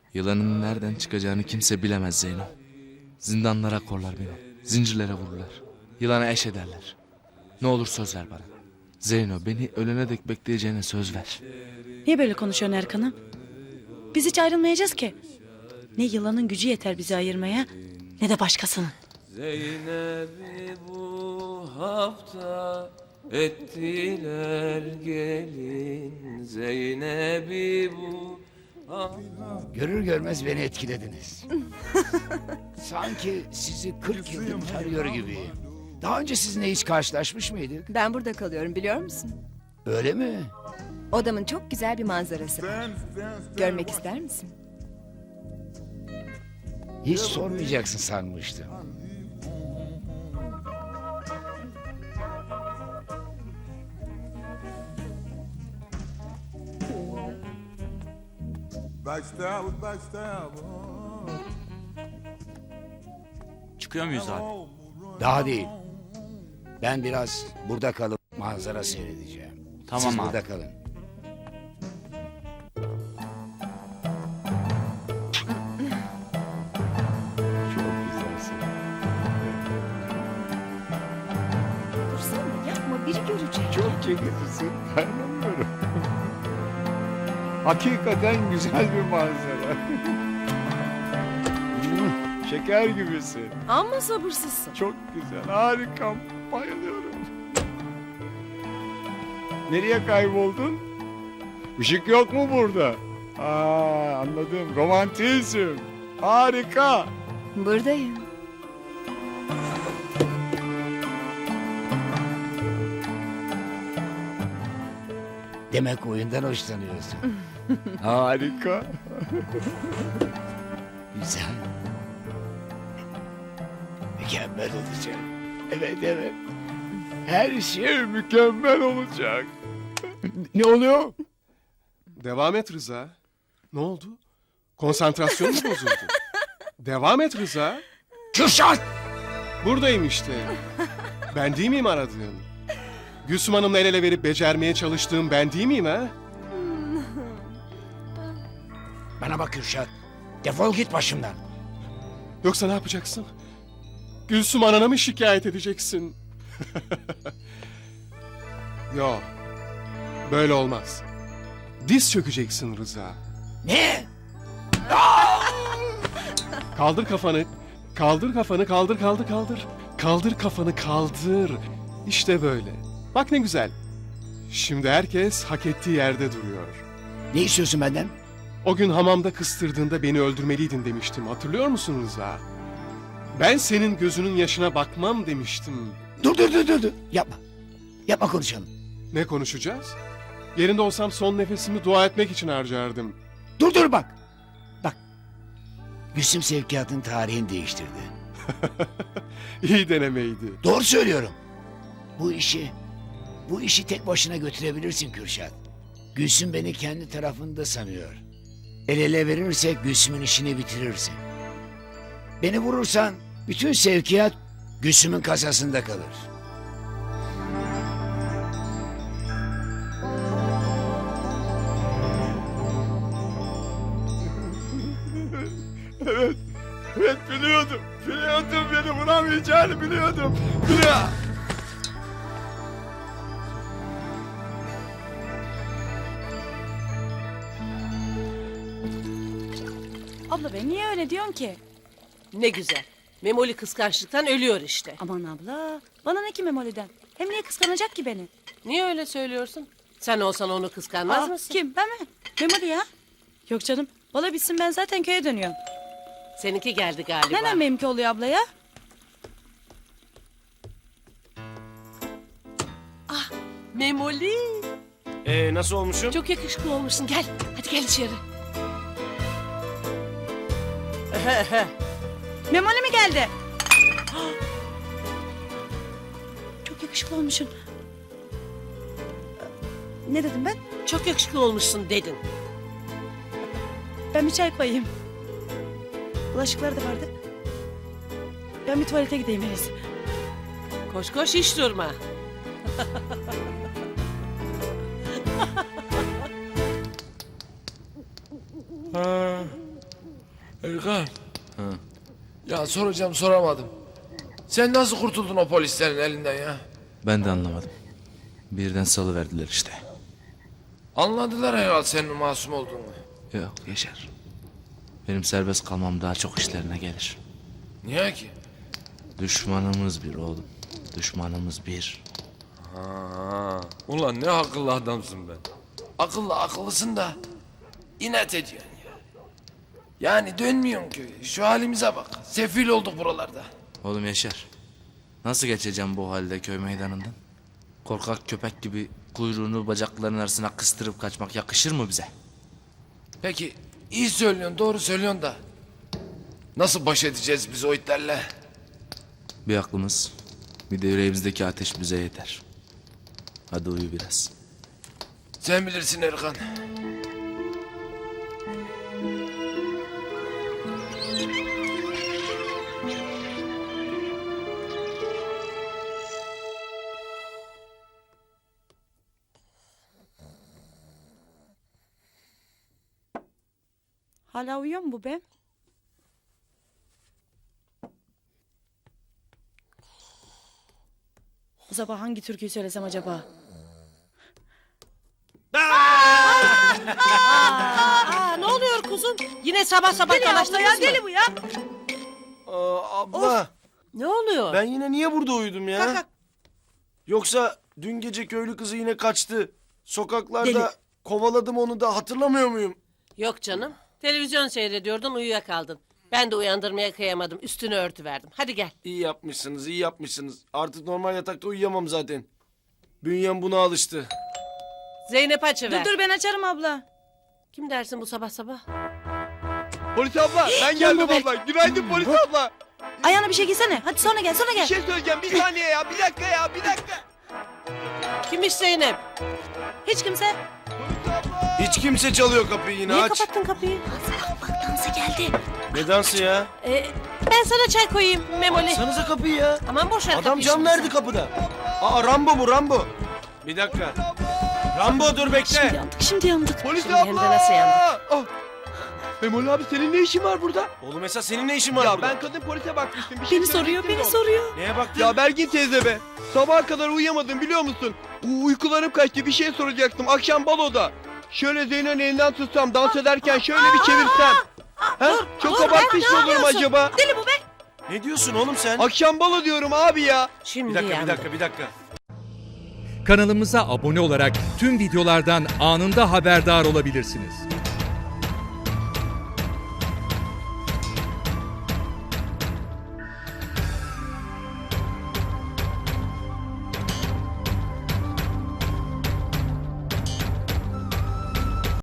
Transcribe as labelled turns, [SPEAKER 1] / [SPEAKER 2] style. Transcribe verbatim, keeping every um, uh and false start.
[SPEAKER 1] Yılanın nereden çıkacağını kimse bilemez Zeyno. Zindanlara korlar beni. Zincirlere vururlar. Yılana eş ederler. Ne olur söz ver bana. Zeyno, beni ölene dek bekleyeceğine söz ver.
[SPEAKER 2] Niye böyle konuşuyorsun Erkan'ım? Biz hiç ayrılmayacağız ki. Ne yılanın gücü yeter bizi ayırmaya, ne de başkasının.
[SPEAKER 3] Zeynep'i bu hafta ettiler gelin. Zeynep'i bu
[SPEAKER 4] Görür görmez beni etkilediniz. Sanki sizi kırk yıldır tanıyor gibiyim. Daha önce sizinle hiç karşılaşmış mıydık?
[SPEAKER 5] Ben burada kalıyorum biliyor musun?
[SPEAKER 4] Öyle mi?
[SPEAKER 5] Odamın çok güzel bir manzarası var. Görmek ister misin?
[SPEAKER 4] Hiç sormayacaksın sanmıştım.
[SPEAKER 6] Backstab, backstab. oh.
[SPEAKER 7] Çıkıyor muyuz abi?
[SPEAKER 4] Daha değil. Ben biraz burada kalıp manzara seyredeceğim.
[SPEAKER 7] Tamam
[SPEAKER 4] Siz
[SPEAKER 7] abi.
[SPEAKER 4] burada kalın. Çok güzelsin.
[SPEAKER 5] Dursana yapma biri görecek.
[SPEAKER 4] Çok çekicisin. Dayanamıyorum. Hakikaten güzel bir manzara. Şeker gibisin.
[SPEAKER 5] Amma sabırsızsın.
[SPEAKER 4] Çok güzel, harika. Bayılıyorum. Nereye kayboldun? Işık yok mu burada? Aa, anladım. Romantizm. Harika.
[SPEAKER 5] Buradayım.
[SPEAKER 4] Demek oyundan hoşlanıyorsun. Harika. Güzel. Mükemmel olacak. Evet, evet. Her şey mükemmel olacak. Ne oluyor?
[SPEAKER 8] Devam et Rıza. Ne oldu? Konsantrasyon mu bozuldu? Devam et Rıza.
[SPEAKER 4] Kürşat!
[SPEAKER 8] Buradayım işte. Ben değil miyim aradığın? Gülsüm Hanım'la el ele verip becermeye çalıştığım ben değil miyim ha?
[SPEAKER 4] Bana bak Kürşat. Defol git başımdan.
[SPEAKER 8] Yoksa ne yapacaksın? Gülsüm Anan'a mı şikayet edeceksin? Yok. Böyle olmaz. Diz çökeceksin Rıza.
[SPEAKER 4] Ne?
[SPEAKER 8] Kaldır kafanı. Kaldır kafanı, kaldır kaldır kaldır. Kaldır kafanı, kaldır. İşte böyle. Bak ne güzel. Şimdi herkes hak ettiği yerde duruyor.
[SPEAKER 4] Ne istiyorsun benden?
[SPEAKER 8] O gün hamamda kıstırdığında beni öldürmeliydin demiştim. Hatırlıyor musun Rıza? Ben senin gözünün yaşına bakmam demiştim.
[SPEAKER 4] Dur dur dur dur. dur. Yapma. Yapma konuşalım.
[SPEAKER 8] Ne konuşacağız? Yerinde olsam son nefesimi dua etmek için harcardım.
[SPEAKER 4] Dur dur bak. Bak. Gülsüm sevkiyatın tarihini değiştirdi.
[SPEAKER 8] İyi denemeydi.
[SPEAKER 4] Doğru söylüyorum. Bu işi, bu işi tek başına götürebilirsin Kürşat. Gülsüm beni kendi tarafında sanıyor. El ele verirsek Gülsüm'ün işini bitirirsin. Beni vurursan bütün sevkiyat Gülsüm'ün kasasında kalır.
[SPEAKER 8] Evet, evet biliyordum. Biliyordum beni vuramayacağını biliyordum. Biliyordum.
[SPEAKER 2] Abla ben niye öyle diyorsun ki?
[SPEAKER 9] Ne güzel. Memoli kıskançlıktan ölüyor işte.
[SPEAKER 2] Aman abla, bana ne ki Memoli'den? Hem niye kıskanacak ki beni?
[SPEAKER 9] Niye öyle söylüyorsun? Sen olsan onu kıskanmaz
[SPEAKER 2] Aa,
[SPEAKER 9] mısın?
[SPEAKER 2] kim, ben mi? Memoli ya. Yok canım, bala bitsin ben zaten köye dönüyorum.
[SPEAKER 9] Seninki geldi galiba.
[SPEAKER 2] Neden benimki oluyor abla ya?
[SPEAKER 9] Ah, Memoli.
[SPEAKER 7] Ee, nasıl olmuşum?
[SPEAKER 9] Çok yakışıklı olmuşsun. Gel, hadi gel içeri.
[SPEAKER 2] Memoli mi geldi? Çok yakışıklı olmuşsun. Ne dedim ben?
[SPEAKER 9] Çok yakışıklı olmuşsun dedin.
[SPEAKER 2] Ben bir çay koyayım. Bulaşıklar da vardı. Ben bir tuvalete gideyim en iyisi.
[SPEAKER 9] Koş koş hiç durma.
[SPEAKER 3] Erkan. Ya soracağım soramadım. Sen nasıl kurtuldun o polislerin elinden ya?
[SPEAKER 1] Ben de anlamadım. Birden salıverdiler işte.
[SPEAKER 3] Anladılar herhalde senin masum olduğunu.
[SPEAKER 1] Yok Yaşar. Benim serbest kalmam daha çok işlerine gelir.
[SPEAKER 3] Niye ki?
[SPEAKER 1] Düşmanımız bir oğlum. Düşmanımız bir.
[SPEAKER 3] Ha, ulan ne akıllı adamsın ben. Akıllı akıllısın da inat ediyorsun ya. Yani dönmüyorsun köye. Şu halimize bak. Sefil olduk buralarda.
[SPEAKER 1] Oğlum Yaşar. Nasıl geçeceğim bu halde köy meydanından? Korkak köpek gibi kuyruğunu bacaklarının arasına kıstırıp kaçmak yakışır mı bize?
[SPEAKER 3] Peki iyi söylüyorsun, doğru söylüyorsun da nasıl baş edeceğiz biz o itlerle?
[SPEAKER 1] Bir aklımız, bir de yüreğimizdeki ateş bize yeter. Hadi uyu biraz.
[SPEAKER 3] Sen bilirsin Erkan.
[SPEAKER 2] Hala uyuyor mu bu be? Bu sabah hangi türküyü söylesem acaba?
[SPEAKER 9] Aa, ne oluyor kuzum? Yine sabah sabah
[SPEAKER 2] Deli abla
[SPEAKER 9] dalaştınız
[SPEAKER 2] ya
[SPEAKER 9] mı?
[SPEAKER 2] deli bu ya.
[SPEAKER 7] Aa, abla
[SPEAKER 9] Ne oluyor?
[SPEAKER 7] ben yine niye burada uyudum ya?
[SPEAKER 9] Kalk, kalk.
[SPEAKER 7] Yoksa dün gece köylü kızı yine kaçtı. Sokaklarda
[SPEAKER 2] Deli.
[SPEAKER 7] kovaladım onu da hatırlamıyor muyum?
[SPEAKER 9] Yok canım. Televizyon seyrediyordun uyuyakaldın. Ben de uyandırmaya kıyamadım. Üstünü örtüverdim. Hadi gel.
[SPEAKER 7] İyi yapmışsınız, iyi yapmışsınız. Artık normal yatakta uyuyamam zaten. Bünyem buna alıştı.
[SPEAKER 9] Zeynep açıver.
[SPEAKER 2] Dur dur ben açarım abla.
[SPEAKER 9] Kim dersin bu sabah sabah?
[SPEAKER 8] Polis abla ben geldim
[SPEAKER 2] be.
[SPEAKER 8] abla. Günaydın polis abla.
[SPEAKER 2] Ayağına bir şey giysene. Hadi sonra gel sonra
[SPEAKER 8] Bir
[SPEAKER 2] gel.
[SPEAKER 8] şey söyleyeceğim bir saniye ya. Bir dakika ya bir dakika.
[SPEAKER 9] Kimmiş Zeynep?
[SPEAKER 2] Hiç kimse.
[SPEAKER 7] Hiç kimse çalıyor kapıyı yine
[SPEAKER 9] Niye
[SPEAKER 7] aç.
[SPEAKER 9] kapattın kapıyı?
[SPEAKER 2] Bak dansa geldi.
[SPEAKER 7] Ne dansı ya?
[SPEAKER 9] Ee, ben sana çay koyayım Memoli.
[SPEAKER 7] Sanıza kapıyı ya.
[SPEAKER 9] Aman boş ver
[SPEAKER 7] Adam
[SPEAKER 9] kapıyı
[SPEAKER 7] cam
[SPEAKER 9] şimdi.
[SPEAKER 7] verdi kapıda. Aa Rambo bu Rambo. Bir dakika. Rambo dur bekle.
[SPEAKER 2] Şimdi yandık şimdi yandık.
[SPEAKER 8] Polis
[SPEAKER 9] Şimdi hem de
[SPEAKER 8] abla.
[SPEAKER 9] nasıl yandık?
[SPEAKER 8] Ah. Memoli abi senin ne işin var burada?
[SPEAKER 7] Oğlum Esat senin ne işin var
[SPEAKER 8] Ya
[SPEAKER 7] burada?
[SPEAKER 8] ben kadın polise bakmıştım. Bir şey
[SPEAKER 2] Beni soruyor
[SPEAKER 8] söyleyecektim
[SPEAKER 2] beni
[SPEAKER 8] de
[SPEAKER 2] soruyor.
[SPEAKER 7] Neye baktın?
[SPEAKER 8] Ya Bergin teyze be. Sabaha kadar uyuyamadım biliyor musun? U- uykularım kaçtı bir şey soracaktım. Akşam baloda. Şöyle Zeyno'nun elinden tutsam dans ederken şöyle bir çevirsem. Ha? Çok
[SPEAKER 9] dur,
[SPEAKER 8] abartmış
[SPEAKER 9] ben
[SPEAKER 8] mı
[SPEAKER 9] ne
[SPEAKER 8] olurum
[SPEAKER 9] yapıyorsun?
[SPEAKER 8] acaba?
[SPEAKER 2] Deli bu be.
[SPEAKER 7] Ne diyorsun oğlum sen?
[SPEAKER 8] Akşam balo diyorum abi ya.
[SPEAKER 9] Şimdi
[SPEAKER 7] Bir dakika bir
[SPEAKER 9] yandık.
[SPEAKER 7] dakika bir dakika.
[SPEAKER 10] Kanalımıza abone olarak tüm videolardan anında haberdar olabilirsiniz.